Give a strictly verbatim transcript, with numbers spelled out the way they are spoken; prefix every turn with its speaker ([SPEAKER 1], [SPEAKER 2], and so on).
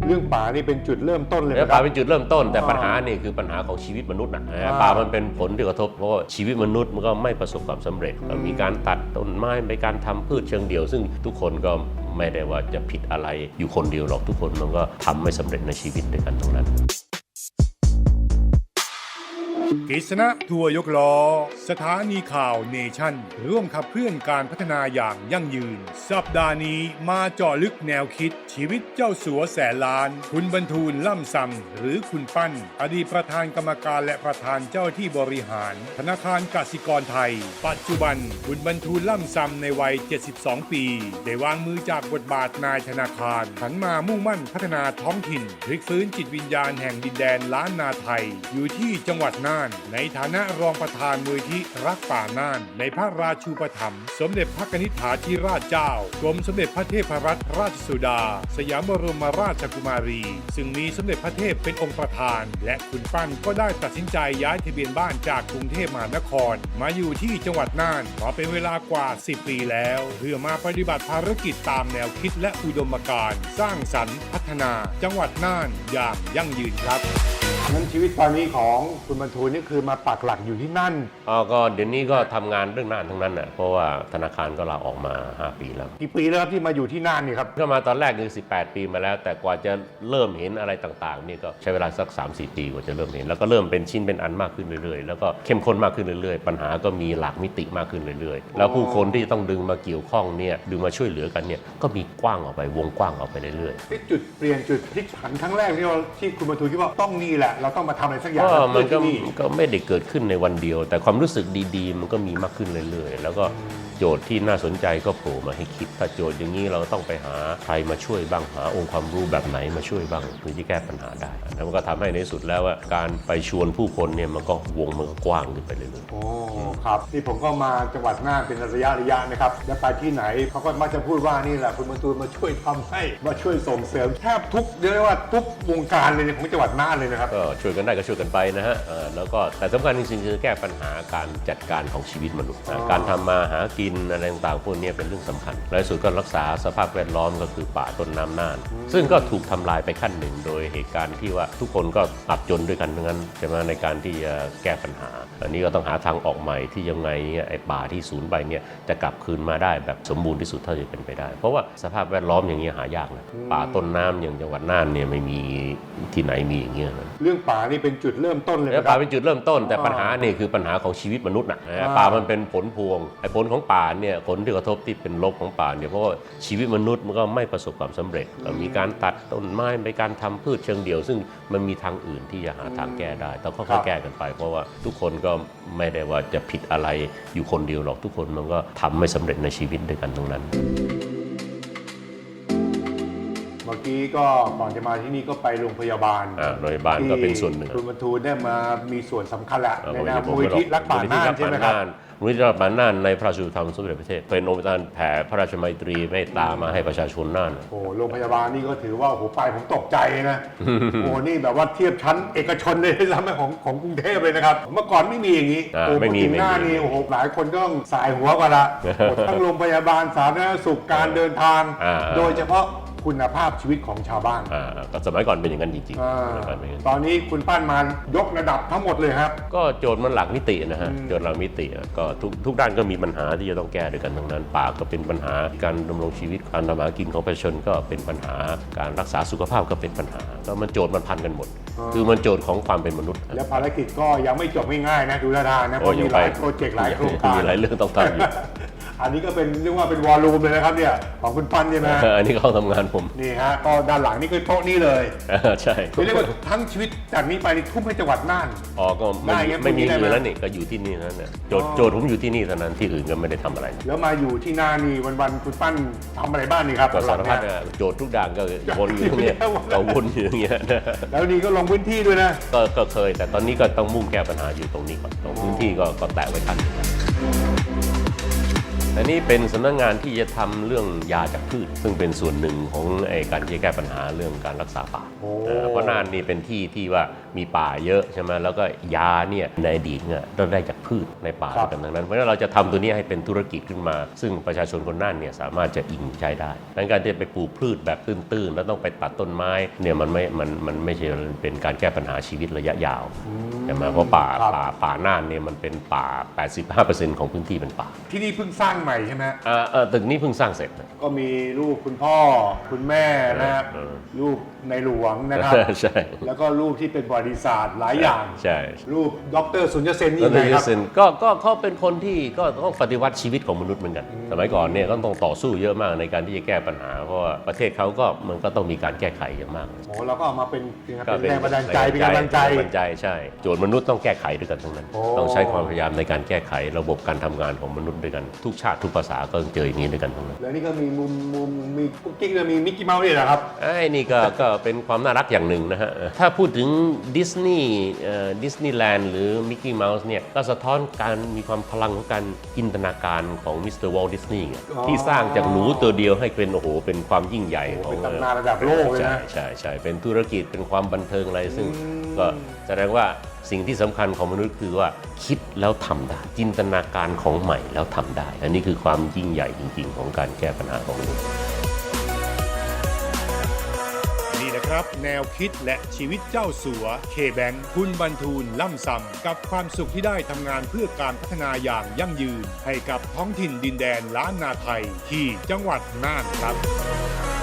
[SPEAKER 1] เรื่องป่านี่เป็นจุดเริ่มต้นเลย
[SPEAKER 2] ป่าเป็นจุดเริ่มต้นแต่ปัญหานี่คือปัญหาของชีวิตมนุษย์นะป่ามันเป็นผลที่กระทบเพราะว่าชีวิตมนุษย์มันก็ไม่ประสบความสำเร็จมีการตัดต้นไม้มีการทำพืชเชิงเดี่ยวซึ่งทุกคนก็ไม่ได้ว่าจะผิดอะไรอยู่คนเดียวหรอกทุกคนมันก็ทำไม่สำเร็จในชีวิตด้วยกันตรงนั้น
[SPEAKER 3] กฤษณะทัวร์ยกล้อสถานีข่าวเนชั่นร่วมขับเคลื่อนการพัฒนาอย่างยั่งยืนสัปดาห์นี้มาเจาะลึกแนวคิดชีวิตเจ้าสัวแสนล้านคุณบรรทูลล่ำซำหรือคุณปั้นอดีตประธานกรรมการและประธานเจ้าที่บริหารธนาคารกสิกรไทยปัจจุบันคุณบรรทูลล่ำซำในวัยเจ็ดสิบสองปีได้วางมือจากบทบาทนายธนาคารหันมามุ่งมั่นพัฒนาท้องถิ่นพลิกฟื้นจิตวิญญาณแห่งดินแดนล้านนาไทยอยู่ที่จังหวัดน่านในฐานะรองประธานมูลที่รักป่าน่านในพระราชูปถัมภ์สมเด็จพระนิธิถาธิราชเจ้ากรมสมเด็จพระเทพรัตนราชสุดาสยามบรมราชกุมารีซึ่งมีสมเด็จพระเทพเป็นองค์ประธานและคุณปั้นก็ได้ตัดสินใจย้ายทะเบียนบ้านจากกรุงเทพมหานครมาอยู่ที่จังหวัดน่านมาเป็นเวลากว่าสิบปีแล้วเพื่อมาปฏิบัติภารกิจตามแนวคิดและอุดมการณ์สร้างสรรค์พัฒนาจังหวัดน่านอย่างยั่งยืนครับ
[SPEAKER 1] นั้นชีวิตตอนนี้ของคุณบรรทูลนี่คือมาปักหลักอยู่ที่นั่น
[SPEAKER 2] อ๋อก็เดี๋ยวนี้ก็ทำงานเรื่องน่านทั้งนั้นน่ะเพราะว่าธนาคารก็ลาออกมาห้าปีแล้ว
[SPEAKER 1] กี่ปีแล้วครับที่มาอยู่ที่น่านนี่ครับ
[SPEAKER 2] ก็มาตอนแรกคือสิบแปดปีมาแล้วแต่กว่าจะเริ่มเห็นอะไรต่างๆนี่ก็ใช้เวลาสัก สามสี่ ปีกว่าจะเริ่มเห็นแล้วก็เริ่มเป็นชิ้นเป็นอันมากขึ้นเรื่อยๆแล้วก็เข้มข้นมากขึ้นเรื่อยๆปัญหาก็มีหลากมิติมากขึ้นเรื่อยๆแล้วผู้คนที่ต้องดึงมาเกี่ยวข้องเนี่ยดึงมาช่วยเหลือกันเนี่ยก็มีกว้างออกไปวงกว้างออกไปเรื่อย
[SPEAKER 1] ๆจุดเปลี่ยนจุดพลิกผันครั้งแรกที่เราที่คุณบรรทูลคิดว่าต้องนี่แหละเราต้องมาทำอะไรสักอย่าง
[SPEAKER 2] ก็มันก็ก็ไม่ได้เกิดขึ้นในวันเดียวแต่ความรู้สึกดีๆมันก็มีมากขึ้นเรื่อยๆแล้วก็โจทย์ที่น่าสนใจก็โผล่มาให้คิดถ้าโจทย์อย่างนี้เราต้องไปหาใครมาช่วยบ้างหาองค์ความรู้แบบไหนมาช่วยบ้างเพื่อที่แก้ปัญหาได้แล้วมันก็ทำให้ในสุดแล้วว่าการไปชวนผู้คนเนี่ยมันก็วงมันก็กว้างขึ้นไปเรื่อย
[SPEAKER 1] ๆโอ้ครับนี่ผมก็มาจังหวัดน่านเป็นระยะระยะนะครับแล้วไปที่ไหนเขาก็มักจะพูดว่านี่แหละคุณบรรทูลมาช่วยทำให้มาช่วยส่งเสริมแทบทุกเรียกได้ว่าทุกวงการเลยของจังหวัดน่านเลยนะครับ
[SPEAKER 2] ก็ช่วยกันได้ก็ช่วยกันไปนะฮะแล้วก็แต่สำคัญจริงๆคือแก้ปัญหาการจัดการของชีวิตมนุษย์การทำมาหากินอะไรต่างๆพวกนี้เป็นเรื่องสำคัญและสุดก็รักษาสภาพแวดล้อมก็คือป่าต้นน้ำน่านซึ่งก็ถูกทำลายไปขั้นหนึ่งโดยเหตุการณ์ที่ว่าทุกคนก็อับจนด้วยกันทั้งนั้นใช่ไหมในการที่จะแก้ปัญหาอันนี้ก็ต้องหาทางออกใหม่ที่ยังไงเนี่ยไอ้ป่าที่สูญไปเนี่ยจะกลับคืนมาได้แบบสมบูรณ์ที่สุดเท่าที่เป็นไปได้เพราะว่าสภาพแวดล้อมอย่างนี้หายากนะป่าต้นน้ำอย่างจังหวัดน่านเนี่ยไม่มีที่ไหนมีอย่างเงี้ยนะ
[SPEAKER 1] เรื่องป่านี่เป็นจุดเริ่มต้นเลย
[SPEAKER 2] ป่าเป็นจุดเริ่มต้นแต่ปัญหานี่คือปัญหาของชีวิตมนุษย์นะป่ามันเป็นผลพวงไอ้ผลของป่าเนี่ยผลที่กระทบที่เป็นลบของป่าเนี่ยเพราะว่าชีวิตมนุษย์มันก็ไม่ประสบความสำเร็จมีการตัดต้นไม้มีการทำพืชเชิงเดี่ยวซึ่งมันมีทางอื่นที่จะหาทางแก้ได้ต้องค่อยๆแก้กันไปเพราะว่าทุกคนก็ไม่ได้ว่าจะผิดอะไรอยู่คนเดียวหรอกทุกคนมันก็ทำไม่สำเร็จในชีวิตด้วยกันตรงนั้น
[SPEAKER 1] เมื่อกี้ก็ก่อนจะมาที่นี่ก็ไปโรงพยาบาล
[SPEAKER 2] โรงพยาบาลก็เป็นส่วนหนึ่ง
[SPEAKER 1] คุณบรรทูลได้มามีส่วนสำคัญแหละในนามมูลที่รักป่าน่านใช่ไหมครับ
[SPEAKER 2] มูลที่รักป่าน่านในพระราชูปถัมภ์สมเด็จพระเทพเป็นองค์การแผ่พระราชมัยตรีเมตตามาให้ประชาชนน่าน
[SPEAKER 1] โอ้โรงพยาบาลนี่ก็ถือว่าโอ้โหไปผมตกใจนะโอ้นี่แบบว่าเทียบชั้นเอกชนเลยซ้ำของของกรุงเทพเลยนะครับเมื่อก่อนไม่มีอย่างนี้
[SPEAKER 2] โอ้ไม่มี
[SPEAKER 1] หน้านี่โอ้โหหลายคนก็ต้องสายหัวกันละทั้งโรงพยาบาลสาธารณสุขการเดินทางโดยเฉพาะคุณภาพชีวิตของชาวบ้าน
[SPEAKER 2] ก็สมัยก่อนเป็นอย่างนั้นจริง
[SPEAKER 1] ๆตอนนี้คุณปั้นมายกระดับทั้งหมดเลยครับ
[SPEAKER 2] ก็โจทย์มันหลักมิตินะฮะโจทย์หลักมิติก็ทุกทุกด้านก็มีปัญหาที่จะต้องแก้ด้วยกันทั้งนั้นป่าก็เป็นปัญหาการดำรงชีวิตการทำมาหากินของประชาชนก็เป็นปัญหาการรักษาสุขภาพก็เป็นปัญหาก็มันโจทย์มันพันกันหมดคือมันโจทย์ของความเป็นมนุษย์
[SPEAKER 1] และภารกิจก็ยังไม่จบง่ายๆนะดูท่าทางนะเพราะมีหลายโปรเจกต์หลายโครงการ
[SPEAKER 2] มีหลายเรื่องต้องทำอยู่
[SPEAKER 1] อันนี้ก็เป็นเรียกว่าเป็นวอลลุ่มเลยนะครับเนี่ยของคุณปั้นใช่ไหม
[SPEAKER 2] อันนี้เขาทำงานผม
[SPEAKER 1] นี่ฮะก็ด้านหลังนี่คือโต๊ะนี่เลย
[SPEAKER 2] ใช่
[SPEAKER 1] เรียกว่าทั้งชีวิตจากนี้ไปนี่ทุ่มให้จังหวัดน่าน
[SPEAKER 2] อ๋อก็ไม่ไม่มีอื่นแล้วนี่ก็อยู่ที่นี่นั่นแหละโจทย์โจทย์ผมอยู่ที่นี่เท่านั้นที่อื่นก็ไม่ได้ทำอะไร
[SPEAKER 1] แล้วมาอยู่ที่น่านนี่วันๆคุณปั้นทำอะไรบ้างนี่ครับ
[SPEAKER 2] ก็สารพัดโจทย์ทุกด่างก็วนอยู่ตรงนี้เราวนอยู่อย่างเงี้ย
[SPEAKER 1] แล้วนี่ก็ลงพื้นที่ด้วยนะ
[SPEAKER 2] ก็เคยแต่ตอนนี้ก็ต้องมุ่งแก้ปัญหาอยู่ตรงนี้ก่อนตรงพื้นที่ก็ก็แตะไว้ทันอันนี้เป็นสำนักงานที่จะทำเรื่องยาจากพืชซึ่งเป็นส่วนหนึ่งของไอ้การที่จะแก้ปัญหาเรื่องการรักษาป่า
[SPEAKER 1] โอ้
[SPEAKER 2] เออเพราะน่านนี่เป็นที่ที่ว่ามีป่าเยอะใช่ไหมแล้วก็ยาเนี่ยในอดีตเนี่ยเราได้จากพืชในป่ากันทั้งนั้นเพราะฉะนั้นเราจะทำตัวนี้ให้เป็นธุรกิจขึ้นมา ซึ่งประชาชนคนน่านเนี่ยสามารถจะอิงใช้ได้ดังการที่จะไปปลูกพืชแบบตื้นๆแล้วต้องไปตัดต้นไม้เนี่ยมันไม่มันมันไม่ใช่เป็นการแก้ปัญหาชีวิตระยะยาวใช่ไหมเพราะป่าป่าป่าน่านเนี่ยมันเป็นป่า แปดสิบห้าเปอร์เซ็นต์ ของพื้นที่เป็นป่า
[SPEAKER 1] ที่นี่เพิ่งสร้างใหม่ใช่ไหม
[SPEAKER 2] อ่าเออตึกนี้เพิ่งสร้างเสร็จนะ
[SPEAKER 1] ก็มีรูปคุณพ่อคุณแม่นะครับ
[SPEAKER 2] เออ
[SPEAKER 1] รูปในหลวงนะครับ
[SPEAKER 2] ใช่
[SPEAKER 1] แล้วก็รูปที่เป็นประวัติศาสตร์หลายอย่าง
[SPEAKER 2] ใช่
[SPEAKER 1] รูปดรสุญญเซนนี่
[SPEAKER 2] แล้ว
[SPEAKER 1] ไงครับ
[SPEAKER 2] เซนก็ก็เขาเป็นคนที่ก็ต้องปฏิวัติชีวิตของมนุษย์เหมือนกัน สมัยก่อนเนี่ยก็ต้องต่อสู้เยอะมากในการที่จะแก้ปัญหา เพราะว่าประเทศเขาก็มันก็ต้องมีการแก้ไขเยอะมาก
[SPEAKER 1] โอ้เราก็เอามาเป็นเป็นแรงบันดาลใจเป็นกำลังใจ
[SPEAKER 2] แรงบันดาลใจใช่โจทย์มนุษย์ต้องแก้ไขด้วยกันทั้งนั้น
[SPEAKER 1] โอ้
[SPEAKER 2] ต้องใช้ความพยายามในการแก้ไขระบบการทำงานของมนุษย์ด้วยกันทุกชาติทุกภาษาก็ต้องเจออย่างนี้ด้วยกันทั้งนั้น
[SPEAKER 1] แล้วนี่ก็มีมุมมุมมีกุ๊กกิ๊กเลยมีมิกกี้เมาส์ด้วยนะครับ
[SPEAKER 2] ไอ้นี่ก็ก็เป็นความน่ารักอย่างหนึ่งนะฮะ ถ้าพูดถึงดิสนีย์ดิสนีย์แลนด์หรือมิกกี้เมาส์เนี่ยก็สะท้อนการมีความพลังของการจินตนาการของมิสเตอร์วอลต์ดิสนีย์
[SPEAKER 1] อ๋อ
[SPEAKER 2] ที่สร้างจากหนูตัวเดียวให้เป็นโอ้โหเป็นความยิ่งใหญ่ของ
[SPEAKER 1] เป็นตำนานระดับโลกเลยนะ
[SPEAKER 2] ใช่ใช่ใช่เป็นธุรกิจเป็นความบันเทิงอะไรซึ่งก็แสดงว่าสิ่งที่สำคัญของมนุษย์คือว่าคิดแล้วทำได้ จินตนาการของใหม่แล้วทำได้ อันนี้คือความยิ่งใหญ่จริงๆ ของการแก้ปัญหาของมนุษย์
[SPEAKER 3] นี่นะครับแนวคิดและชีวิตเจ้าสัวเคแบงคุณบรรทูลล่ำซำกับความสุขที่ได้ทำงานเพื่อการพัฒนาอย่างยั่งยืน ให้กับท้องถิ่นดินแดนล้านนาไทยที่จังหวัดน่านครับ